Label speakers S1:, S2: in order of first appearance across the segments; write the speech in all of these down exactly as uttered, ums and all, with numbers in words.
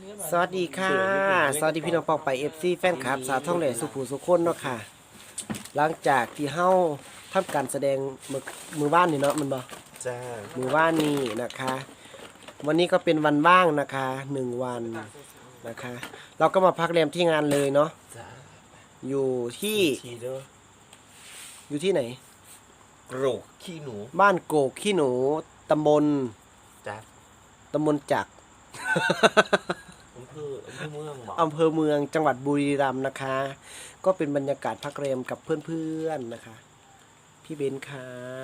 S1: สวัสดีค่ะสวัสดีพี่น้องปองไปเอฟซีแฟนคลับสาวท่องแหล่สุภูสุคนเนาะค่ะหลังจากที่เฮาทำการแสดงมือมือบ้านนี่เนาะมันบ่
S2: จ้า
S1: มือบ้านนี่นะคะ วันนี้ก็เป็นวันว่างนะคะหนึ่งวันนะคะ เราก็มาพักแรมที่งานเลยเนาะอยู่ที่อยู่ที่ไหน
S2: โกรกขี้หนู
S1: บ้านโกกขี้หนูตำบล
S2: จ้า
S1: ตำบลจักร
S2: อำเภออำเภอเมือง
S1: อำเภอเมืองจังหวัดบุรีรัมย์นะคะ ก็เป็นบรรยากาศพักแรมกับเพื่อนๆนะคะพี่เบนค่ะ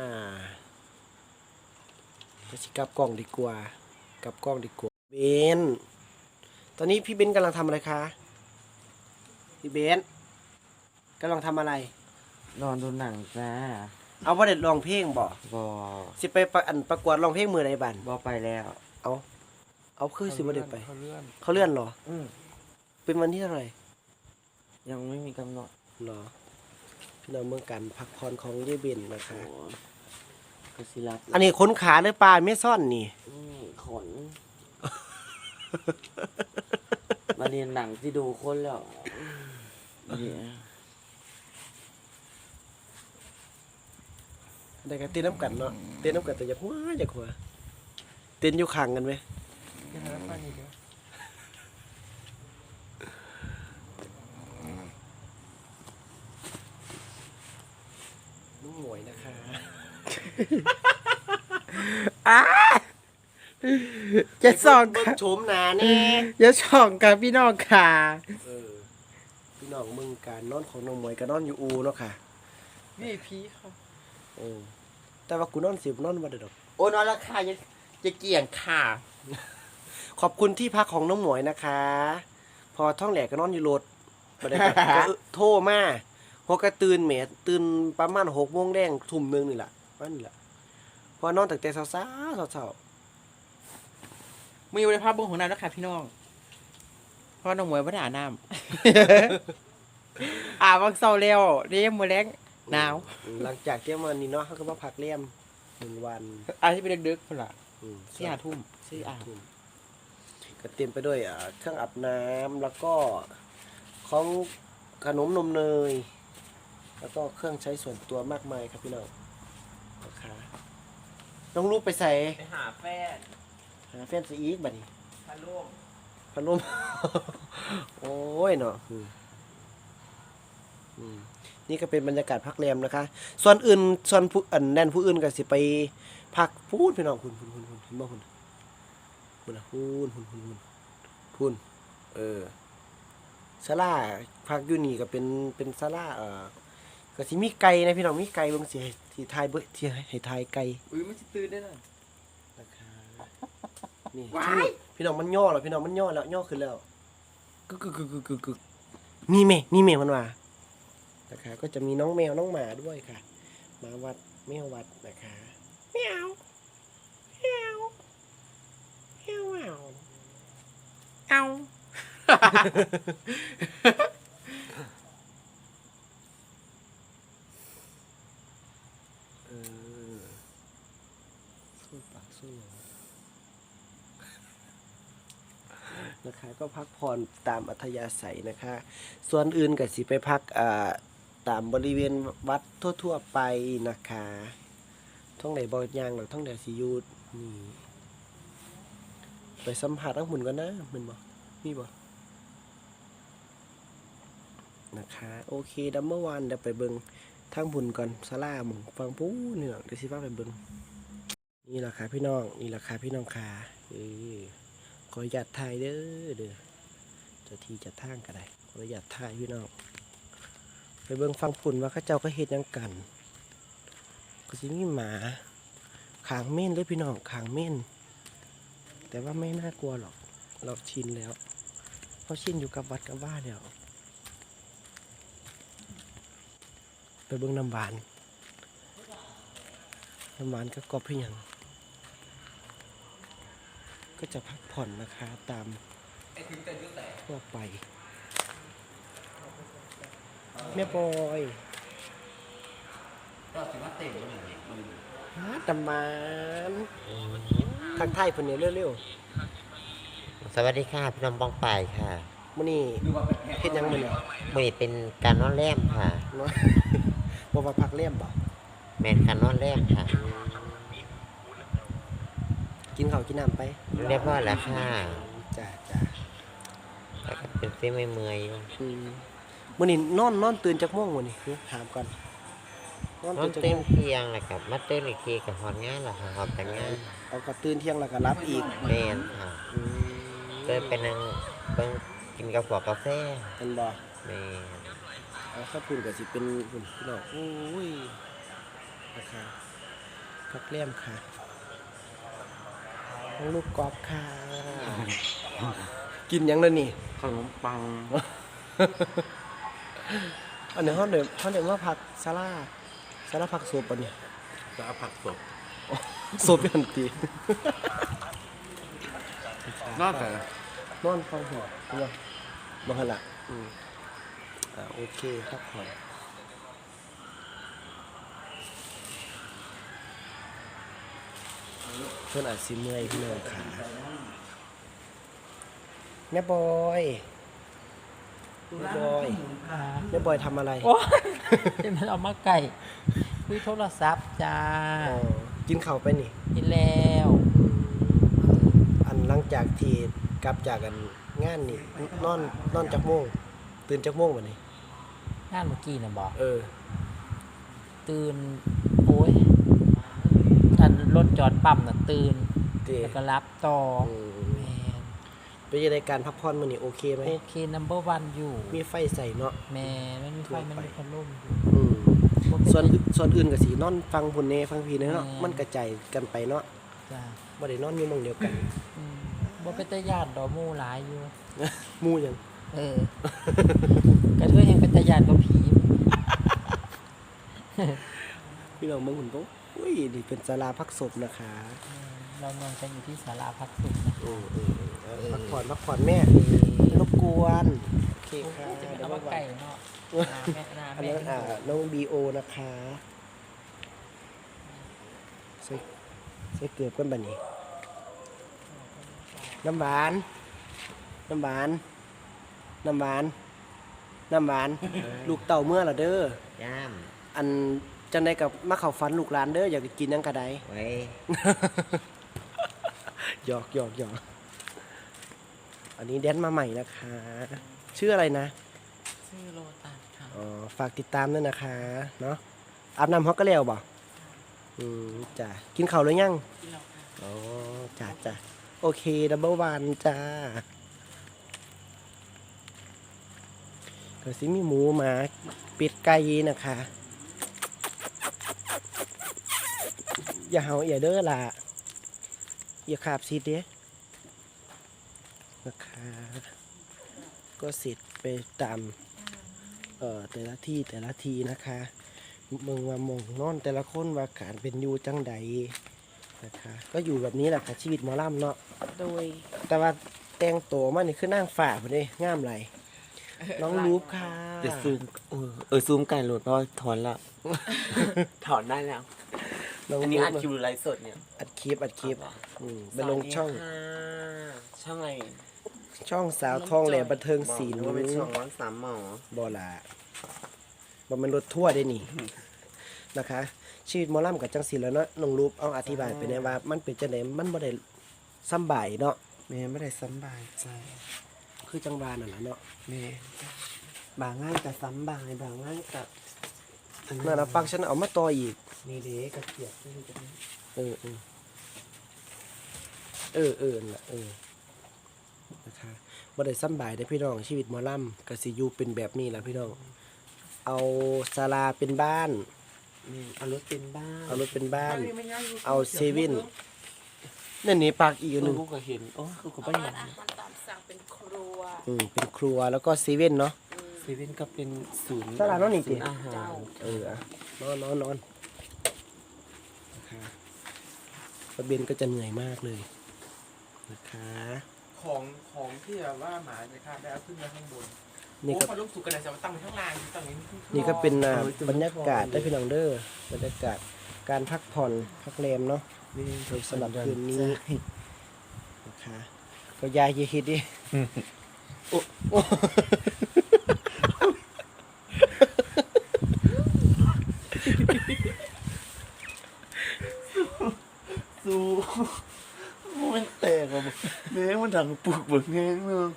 S1: จะชิกับกล้องดีกว่ากับกล้องดีกว่าเบนตอนนี้พี่เบนกำลังทำอะไรคะพี่เบนกำลังทำอะไร
S2: นอนดูหนังจ้า
S1: เอาประเด็ดร้องเพลงบ่
S2: บอ
S1: สิไปประอันประกวดร้องเพลงมือไหนบัน
S2: บอไปแล้ว
S1: เอาเอาคือสิประเด็ดไป
S2: เขาเลื่อน
S1: เขาเลื่อนเหรอ
S2: อืม
S1: เป็นวันที่เท่าไหร่
S2: ยังไม่มีกำหนด
S1: เหรอพี่น้องเมืองกันพักผ่อนของเยเบนนะคะ
S2: กสิรัต
S1: อันนี้ขนขาหรือปลาไม่ซ่อนนี่
S2: ขนมาเรียนหนังที่ดูคนแล้ว
S1: ได้กันเต้นน้ำกันเนาะเต้นน้ำกันแต่อย่าหัวอย่าหัวเต้นอยู่ข้างกันไหมน้องหมวยนะคะจะส่องค่ะชมหนาแน่จะส่องกับพี่น้องค่ะเออพี่น้องมึงการนอนของน้องหมวยกับนอนอยู่อูเนาะค่ะ
S2: นี่พีเขา
S1: โอ้แต่ว่ากูนอนสิบนอนมาเด็ดอก
S2: โอ้นอนราคาจะจะเกี่ยงค่ะ
S1: ขอบคุณที่พักของน้องหมวยนะคะพอท่องแหลกก็นอนอยู่รถมาได้โทรมาพอกระตื่นแหมตื่นประมาณหกโมงแดงทุ่มหนึ่งนี่แหละว่านี่แหละพอนอนตั้งแต่เช้าเช้าเช้า
S3: มีอยู่ในภาพเบื้องของน้ำนะคะพี่น้องเพราะน้องหมวยไม่ได้อาบน้ำอาบวังเสาร์เร็วเรียมมือแรงหนาว
S1: หลังจากเที่ยงวันนี้เนาะเขาก็มาพักเลี่ยมหนึ่งวัน
S3: อาที่ไปดึกๆคนละสี่ห้าทุ่มสี่อาบ
S1: ก็เต็มไปด้วยเครื่องอาบน้ำแล้วก็ของขนมนมเนยแล้วก็เครื่องใช้ส่วนตัวมากมายครับพี่น้องนะคะต้องรูปไปใส่
S2: ไปหาแฟน
S1: หาแฟนซีอีกบัดนี้
S2: พัดลม
S1: พัดลมโอ้ยเนาะนี่ก็เป็นบรรยากาศพักแรมนะคะส่วนอื่นส่วนผู้อันแน่นผู้อื่นก็สิไปพักพูดพี่น้องคุณคุณคุณคุณเห็นบ่คุณคุณนะคุณคุณคุณคุณคุณเออศาลาพักอยู่นี่ก็เป็นเป็นศาลาเอ่อก็สิมีไก่นะพี่น้องมีไก่เบิ่งสิที่ทายเบิ่งที่ให้ทายไก่
S3: อุ้ยมันสิตื่นได้น่ะ
S1: นะคะนี่พี่น้องมันย่อแล้วพี่น้องมันย่อแล้วย่อขึ้นแล้วกึกกึกกึกกึกกึกนี่แม่นี่แม่มันว่านะคะก็จะมีน้องแมวน้องหมาด้วยค่ะหมาวัดแมววัดนะคะแมวแมวแมวเอา
S3: เอา
S1: เออสู้ปากสู้นะคะก็พักผ่อนตามอัธยาศัยนะคะส่วนอื่นก็สิไปพักอ่าตามบริเวณวัดทั่วๆไปนะคะท่องไหนบอยางหรือท่องไหนสิยูนี่ไปสัมผัสทั้งหมุนกันนะมันบอกมีบอกนะคะโอเคดัมเบอร์วันเดี๋ยวไปเบิงทั้งหมุนก่อนซาร่าหมุนฟังปู้นี่หรอกเดี๋ยวสิฟ้าไปเบิงนี่แหละค่ะพี่น้องนี่แหละค่ะพี่น้องค่ะเออขอหยัดถ่ายเด้อเด้อจะทีจะทางก็ได้ขอหยัดถ่ายพี่น้องไปเบิ่งฟังฝุ่นว่าข้าเจ้าก็เฮ็ดยังกันก็สิมีหมาขางเม่นเลยพี่น้องขางเม่นแต่ว่าไม่น่ากลัวหรอกเราชินแล้วเราชินอยู่กับวัดกับบ้านแล้วไปเบิ่งน้ำหวานน้ำหวานก็กรอบเพียงก็จะพักผ่อนนะคะตามทั่วไปแม่บอย
S2: ก็ถือว่าเต็มเลย
S1: ฮะตำมันทักทายคนนี้เร็วๆ
S4: สวัสดีค่ะพี่น้องบ้องไปค่ะ
S1: มื้อนี้เฮ็ดหยังมื้อนี้
S4: มื่อนี้เป็นการนอนแรมค่ะ
S1: เนาะ บ่ว่าพักเลี่ยมบ่
S4: แมนการนอนแรมค่ะ
S1: กินข้าวกินน้ำไป
S4: เรียบร้อยแล้วค่ะ
S1: จ้าจ้า
S4: แต่ก็เป็นเส้นไม่เมื่อยอยู่
S1: อืมมื้อนี้นอนนอนตื่นจักโมงมื้อนี้ถามก่อนนอน
S4: นอ
S1: ตื่
S4: น
S1: นจัก
S4: เต็
S1: โม
S4: ม
S1: ง
S4: เที่ยงแล้วกับมาเต้นอีกทีกับหอนงานแล้วค่ะหอบแต่งงาน
S1: เอาก็ตื่นเที่ยงแล้วก็รับอีก
S4: แมนค่ะ
S1: อืม
S4: เต้นไปนั่งเบิ่งกินกาแฟกาแฟ
S1: เป็นบ่
S4: แมน
S1: เอาข้าวปุ้นก็สิเป็นพุ่นพี่น้องโอ้ยนะคะพักเลี่ยมค่ะน้องลูกกอล์ฟค่ะ กินหยังแล้วนี่
S3: ขนมปัง
S1: อันนี้เขาเดี๋ยวเขาเดี๋ยวว่าผักซาลาซาลาผักสุปอันนี้
S3: จะเอาผักสด
S1: สุปยันตี
S3: นอกจาก
S1: นอนฟังหัวเนาะบ่หันละอืมอ่าโอเคพักผ่อนเพื่อนอาจสิเมื่อยพี่น้องขาแม่บอยแม่บอยแม่บอยทำอะไร
S5: โอ้ยเป็นมันเอามาไก่คุยโทรศัพท์จ้า
S1: อ๋อกินข้าวไปนี่
S5: กินแล้ว
S1: อันหลังจากที่กลับจากกันงานนี่นอนนอนจากโมงตื่นจากโมงวันนี้
S5: งานเมื่อกี้นะบอก
S1: เออ
S5: ตื่น โอ้ยอันรถจอดปั๊มน่ะตื่น
S1: เตะ
S5: แล้วก็รับต่อ
S1: อืม
S5: แมน
S1: เป็นยังไงการพักผ่อนมื้อนี้โอเคไหม
S5: โอเค นัมเบอร์วันอยู่
S1: มีไฟใส่เนาะ
S5: แมนมันมีไฟ มันมีพัดลมอยู่
S1: อืม
S5: บ่เป็
S1: ส่วนอื่นส่วนอื่นก็สินอนฟังพุ่นเนฟังพี่เนาะ
S5: แม่
S1: มันกระจายกันไปเนาะ
S5: จ้า
S1: บ่ได้นอนอยู่หม่องเดียวกัน
S5: อืมบ่เป็นตาญาติดอกหมู่หลายอยู่
S1: หมู่หยัง
S5: เออ กระเทยแห่งเป็นตาญาติก็ผี
S1: พี่น้องเมืองหุ่นโตอุ้ยนี่เป็นศาลาพักศพนะคะ
S5: เรานอนกันอยู่ที่ศาลาพักสุขนะ
S1: อืมอืมอืมเอาพักผ่อนพักผ่อนแม่รบกวนโอเคค่ะ
S5: จะเป็น
S1: เดี๋ยว
S5: เอา
S1: มา
S5: มาไก่เนาะนาแม่นา
S1: อัน
S5: แม่
S1: นั้นอ่าน้องบีโอนะคะใส่ใส่เกลือกันบัดนี้ น้ำหวาน น้ำหวาน น้ำหวาน น้ำหวาน ลูกเต่าเมื่อละเด้อ
S4: ย่าม
S1: อันจังไดกับมาเข้าฝันลูกหลานเด้ออยากกินหยังกะได
S4: ไว้
S1: หยอกหยอกหยอกอันนี้แดนมาใหม่นะคะ ชื่ออะไรนะ
S5: ชื่อโลตัสค่ะ
S1: อ๋อฝากติดตามด้วยนะคะเนาะอาบน้ำฮอกก็แล้วบ่อืมจ้ะกินข้าวหรือยัง
S5: ที่เราค่ะ
S1: อ๋อจ้ะจ้ะโอเคดับเบิลวันจ้าก็สิมีหมูหมาเป็ดไก่นะคะ อย่าเห่าอย่าเด้อล่ะอย่าขาบซีดเด้นะคะ ก็เสร็จไปตามเอ่อแต่ละที่แต่ละทีนะคะเมืองว่ามองนอนแต่ละคนว่าการเป็นอยู่จังใดนะคะ ก็อยู่แบบนี้แหละค่ะชีวิตหมอลำเนาะ
S5: โดย
S1: แต่ว่าแต่งตัวมานี่คือนั่งฝ่าพอดีงามไรน้องรูปค่ะ
S2: จะซูมเออเออซูมไก่โหลดเพราะว่าถอนละ ถอนได้แล้ว
S1: น้อง
S2: อัน
S1: รู
S2: นี้
S1: ป
S2: อัดคลิปหรือไลฟ์สดเนี่ย
S1: อัดคลิปอัดคลิปอืมไปลงช่อง
S2: สวัสดีค่ะช่องอะไร
S1: ช่องสาวทองแหลมบันเทิงศิล
S2: บ
S1: ป์
S2: อกว่าเป็นช่องร้อนสามหมอบ
S1: อลาบอมันรถทั่วได้นี่ นะคะ ชีวิตหมอลำกับจังสีแล้วเนาะน้องรูปเอาอธิบายไปในว่า มันเป็นจังไดมันบ่ได้ซ้ำบ่ายเนาะ
S2: แม่ไม่ได้สำบายใจ
S1: คือจังหวานั่นแหละเนาะ
S2: แม่บางง่ายกับซ้ำบายบางง่ายกับอั
S1: นั่นนะปักฉันเอามาต่ออีก
S2: นี่เด็กกระเทียบนี่จะนี่
S1: เออเออเออเออนั่นล่ะเออนะคะบ่ได้ซ้ำบ่ายได้อพี่น้องชีวิตหมอลำก็สิอยู่เป็นแบบนี้ล่ะพี่น้อง เอาศาลาเป็นบ้าน
S2: นี่เอารถเป็นบ้าน
S1: เอารถเป็นบ้าน เอาเซเว่นนั่นนี่ปากอีก
S2: เอ
S1: อันห
S2: อ
S1: นึ่ง
S2: กูก็เห็นโอ้กูก็ไม่เห็น
S5: อาหารตามสั่งเป็นครัว
S1: อืมเป็นครัวแล้วก็เซเว่นเนาะ
S2: เซเว่นก็เป็นศูนย์
S1: ตลาดน้องนี่ติ
S2: ศูย์อาหาร
S1: เอออะนอนนอนนอนนะคะป้าเบนก็จะเหนื่อยมากเลยนะคะ
S3: ของของที่แบบว่าหมาจะข้ามได้เอาขึ้นมาข้างบน
S1: นี่
S3: โอ้
S1: ก็
S3: พอลูกสุกกันนะจะมาตั้งไว้ข้างล่างตั้งอย่างนี้
S1: นี่ก็เป็นอ่าบรรยากาศได้พี่น้องเด้อบรรยากาศการพักผ่อนพักแรมเนาะ
S2: นี่
S1: สำหรับคืนนี้นะคะ ก็ก็ยายอย่าคิดดิโอ้โอ้
S2: สู้มันแตกอ่ะแม่งมันดังปึกเบิกแห้งเนึง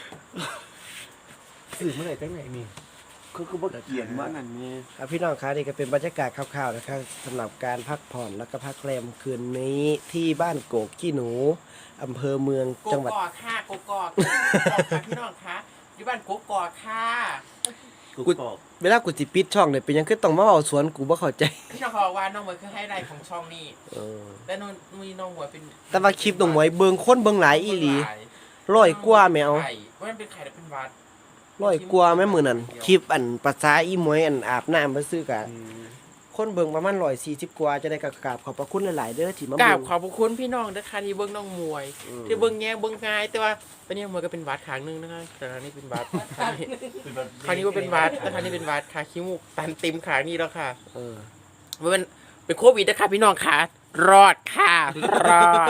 S2: สื่อเมื่อไหร่ตั้งไหนนี่เขาก็บอกเกียนว่านั่นนี่
S1: อ่ะพี่น้องคะนี่ก็เป็นบรรยากาศคร่าวๆนะครับสำหรับการพักผ่อนแล้วก็พักแรมคืนนี้ที่บ้านโกกขี้หนูอำเภอเมือง
S3: โก
S1: จังหวัด
S3: กอกค่ะโกกอกโกกอกค่ะพี่น้องคะอยู่บ้านโกกอกค่ะ
S2: กูบอก
S1: เวลากูสิปิดช่องเนี่ยเป็นหยังคือต้องมาเอาสวนกูบ่เข้าใจ
S3: พี่น้องเขาบอกว่าน้องหมวยคือไฮไลท์ของช่องนี้
S1: เออ
S3: และน้องมีน้องหมวยเป็น
S1: แต่ว่าคลิปน้องหมวยเบิ่งคนเบิ่งหลายอีหลีร้อยกว่าแมว
S3: ไข่ว่ามันเป็นไข่หรือเป็นหวัด
S1: ร้อยกว่าแม่มื้อนั้นคลิปอันภาษาอีหมวยอันอาบน้ำมาซื้อกะคนเบิ่งประมาณร้อยสี่สิบกว่าจะได้กราบขอบพระคุณหลายๆเด้อที่มาก
S3: รา
S1: เบิ่
S3: บ
S1: ง
S3: ขอบพระคุณพี่น้องนะคะที่เบิ้งน้องมวย
S1: อืม
S3: ที่เบิ้งแง่เบิ้งง่ายแต่ว่าตอนนี้มวยก็เป็นหวัดขางหนึงนะคะแต่ครั้งนี้เป็นหวัดครั้งนี้ครั้งนี้ว่าเป็นหวัดแต่ครั้งนี้เป็นหวัดค่ะขี้มูกตันเต็มขางนี้แล้วค่ะ
S1: เออ
S3: มันเป็นเป็นโควิดนะคะพี่น้องค่ะรอดค่ะรอด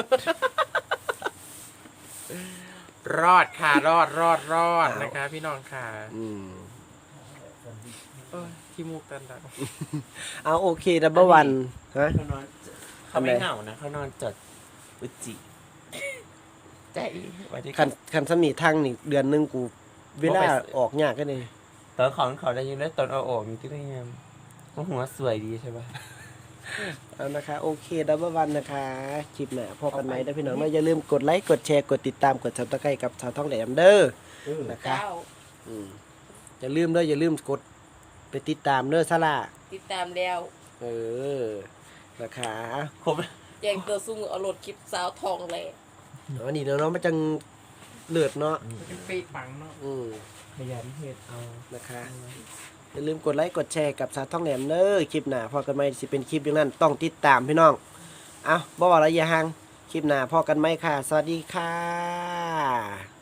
S3: รอดค่ะรอดรอดรอดนะคะ พี่น้องค่ะ
S1: อืม
S3: เอ้ยขี้มูกตันตัน
S1: เอาโอเคดับเบิลวันฮะ
S2: เขานอนเขาไม่เหงานะเขานอนจดอุจิ
S3: ใจ
S2: ไว้ที่
S1: คันคันสมีทางนี่เดือนหนึงกู เวลาออกยากก็นี่
S2: ตอนของเขาได้ยินได้ตอนเอาออกมีที่ได้ยังหัวสวยดีใช่ปะ
S1: เอานะคะโอเคดับเบิลวันนะคะคลิปหน้าพบกันไหมนะพี่น้องอย่าลืมกดไลค์กดแชร์กดติดตามกดซับสไครต์กับชาวท้องแหลมเด้อนะคะ
S6: เจ้า
S1: อืมอย่าลืมเด้ออย่าลืมกดไปติดตามเด้อซาร่า
S6: ติดตามแล้ว
S1: เออนะคะ
S2: ครบ
S6: แจงเตอร์ซุงเอารถคลิปสาวทองเลย
S1: อันนี้เนาะมันจังเลือดเนาะ
S3: เป็นปีกปังเนาะ
S1: อืม
S2: ขยันเฮ็ดเอา
S1: นะคะอย่าลืมกดไลค์กดแชร์กับชาวท้องแหลมเด้อคลิปหน้าพอกันไหมสิเป็นคลิปอย่างนั้นต้องติดตามพี่น้องเอาบ่บอกระยะห่างคลิปหน้าพอกันไหมค่ะ สวัสดีค่ะ